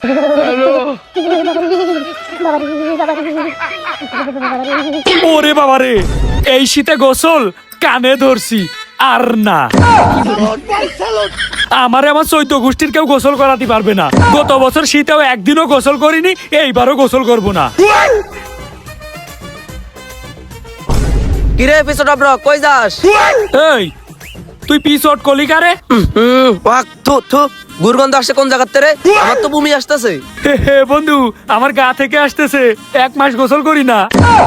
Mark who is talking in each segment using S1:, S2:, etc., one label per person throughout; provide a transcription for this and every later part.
S1: ওরে বাবা রে, এই শীতে গোসল কানে ধরছি আর না। আমার 14 গোষ্ঠীর কেউ গোসল করাতে পারবে না। গত বছর শীতেও একদিনও গোসল করিনি, এইবারও গোসল করব না।
S2: কিরে এপিসোড অফ রক কই যাস?
S1: এই তুই পিছট কলি কারে?
S2: ওয়াক থু থু, গুরগন্ধ আসছে কোন জায়গাতে রে? আমার তো বমি আসতেছে।
S1: হে বন্ধু, আমার গা থেকে আসতেছে, 1 মাস গোসল করি না।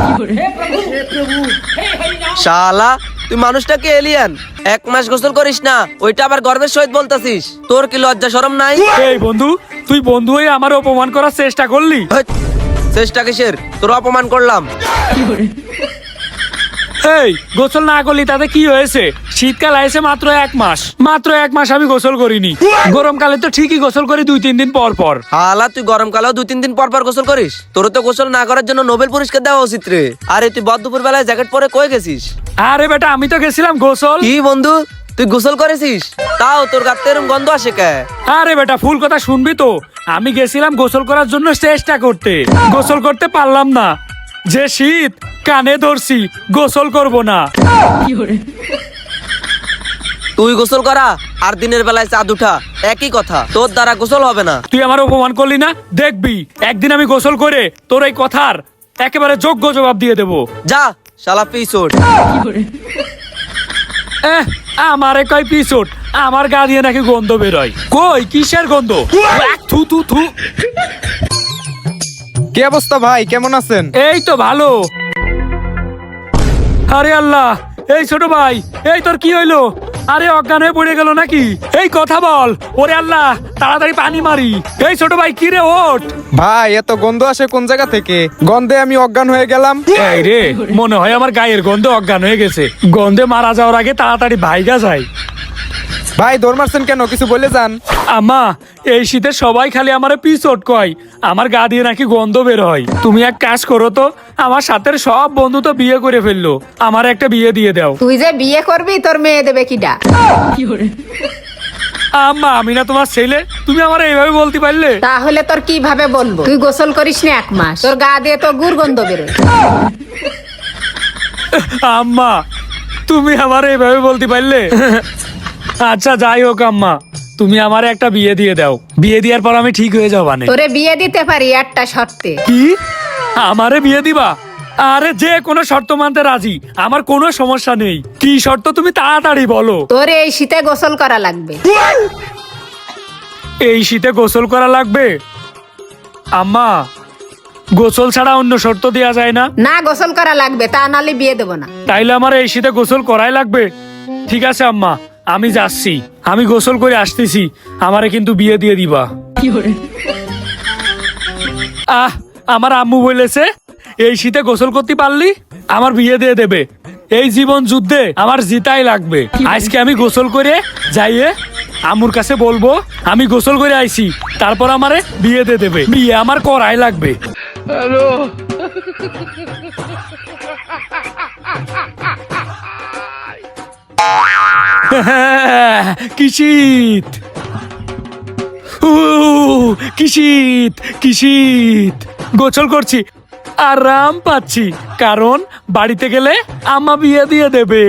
S2: শালা তুই মানুষটাকে এলিয়ান, 1 মাস গোসল করিস না, ওইটা আবার গর্বের সহিত বলতাছিস? তোর কি লজ্জা শরম নাই?
S1: এই বন্ধু, তুই বন্ধু হয়ে আমার অপমান করার চেষ্টা করলি।
S2: হ্যাট, চেষ্টা কিসের? তোর অপমান করলাম।
S1: এই গোসল না করলি তাতে কি হয়েছে? শীতকাল আইছে মাত্র 1 মাস, মাত্র 1 মাস আমি গোসল করিনি। গরমকালে তো ঠিকই গোসল করি 2-3 দিন পর পর।
S2: হালা তুই গরমকালেও 2-3 দিন পর পর গোসল করিস? তোর তো গোসল না করার জন্য নোবেল পুরস্কার দেওয়া উচিত রে। আরে তুই দুপুর বেলায় জ্যাকেট পরে কই গেছিস?
S1: আরে বেটা, আমি তো গেছিলাম গোসল।
S2: কি বন্ধু, তুই গোসল করেছিস? তাও তোর গাতে এরকম গন্ধ আসে কে?
S1: আরে বেটা, ফুল কথা শুনবি তো। আমি গেছিলাম গোসল করার জন্য চেষ্টা করতে, গোসল করতে পারলাম না। যে শীত, কানে ধরছি, গোসল করব না।
S2: তুই গোসল করা আর দিনের বেলায় চাঁদ উঠা একই কথা, তোর দ্বারা গোসল হবে না।
S1: তুই আমার অপমান করলি না, দেখবি একদিন আমি গোসল করে তোর এই কথার একেবারে যোগ্য জবাব দিয়ে দেবো।
S2: যা শালা পিছট।
S1: আমারে কয় পিছট, আমার গা দিয়ে নাকি গন্ধ বেরোয়। কই কিসের গন্ধ? থু থু থু।
S3: কি অবস্থা ভাই, কেমন আছেন?
S1: এই তো ভালো। আরে আল্লাহ, এই ছোট ভাই, এই তোর কি হইলো? আরে অজ্ঞান হয়ে পড়ে গেল নাকি? এই কথা বল। ওরে আল্লাহ, তাড়াতাড়ি পানি মারি। এই ছোট ভাই, কি রে, ওঠ।
S3: ভাই এত গন্ধ আসে কোন জায়গা থেকে? গন্ধে আমি অজ্ঞান হয়ে গেলাম।
S1: এই রে, মনে হয় আমার গায়ের গন্ধে অজ্ঞান হয়ে গেছে। গন্ধে মারা যাওয়ার আগে তাড়াতাড়ি ভাইগা যায়।
S3: ভাই দৌড় মারছেন কেন, কিছু বলে যান।
S1: আম্মা, এই শীতে সবাই খালি আমারে পিছট কয়, আমার গা দিয়ে নাকি গন্ধ বের হয়। তুমি এক কাজ করো তো, আমার সাথে সব বন্ধু তো বিয়ে করে ফেললো, আমার একটা বিয়ে দিয়ে দাও।
S4: তুই যে বিয়ে করবি, তোর মেয়ে দেবে কিডা?
S1: আম্মা, আমি না তোমার ছেলে, তুমি আমার এইভাবে বলতে পারলে?
S4: তাহলে তোর কিভাবে বলবো? তুই গোসল করিস না 1 মাস, তোর গা দিয়ে তো গুড়গন্ধ বেরোয়।
S1: আম্মা, তুমি আমার এইভাবে বলতে পারলে? আচ্ছা যাই হোক আম্মা, তুমি আমার একটা বিয়ে দিয়ে দাও। বিয়ে দেওয়ার পর আমি ঠিক হয়ে যাবো।
S4: তোরে বিয়ে দিতে পারি একটা শর্তে।
S1: কি? আমারে বিয়ে দিবা? আরে যে কোনো শর্ত মানতে রাজি, আমার কোনো সমস্যা নেই। কি শর্ত তুমি তাড়াতাড়ি বলো।
S4: তোরে এই শীতে গোসল করা লাগবে।
S1: এই শীতে গোসল করা লাগবে? আম্মা, গোসল ছাড়া অন্য শর্ত দেওয়া যায় না?
S4: না, গোসল করা লাগবে, তা নালে বিয়ে দেবো না।
S1: তাইলে আমার এই শীতে গোসল করাই লাগবে। ঠিক আছে আম্মা, আমি যাচ্ছি, আমি গোসল করে আসতেছি, আমারে কিন্তু বিয়ে দিয়ে দিবা। আমার আম্মু বলেছে এই শীতে গোসল করতে পারলি আমার বিয়ে দিয়ে দেবে। এই জীবন যুদ্ধে আমার জিতাই লাগবে। আজকে আমি গোসল করে যাইয়ে আম্মুর কাছে বলবো আমি গোসল করে আইছি, তারপর আমারে বিয়ে দিয়ে দেবে। বিয়ে আমার করাই লাগবে। হ্যালো, কি শীত, কি শীত, কি শীত। গোসল করছি, আরাম পাচ্ছি, কারণ বাড়িতে গেলে আম্মা বিয়ে দিয়ে দেবে।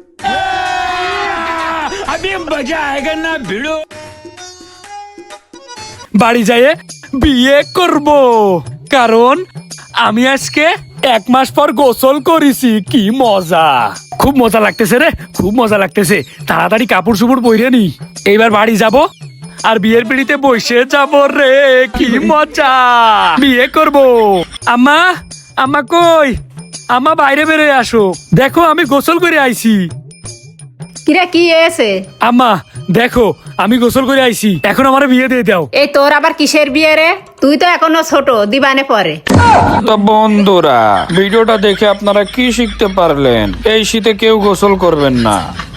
S1: বাড়ি যাইয়ে বিয়ে করব, কারণ আমি আজকে 1 মাস পর গোসল করেছি। কি মজা, খুব মজা লাগতেছে রে, খুব মজা লাগতেছে। তাড়াতাড়ি কাপড় চুপড় পরে নি, এইবার বাড়ি যাব আর বিয়ের পিড়িতে বসে যাব রে। কি মজা, বিয়ে করব। আম্মা, আম্মা কই? আম্মা বাইরে বেরোয় আসো, দেখো আমি গোসল করে আইছি।
S4: কিরে, কি এসে?
S1: আম্মা দেখো, আমি গোসল করে আইছি, এখন আমার বিয়ে দিয়ে দাও।
S4: এই তোর আবার কিসের বিয়ে রে? তুই তো এখনো ছোট, দিবানে পরে।
S5: তো বন্ধুরা, ভিডিওটা দেখে আপনারা কি শিখতে পারলেন? এই শীতে কেউ গোসল করবেন না।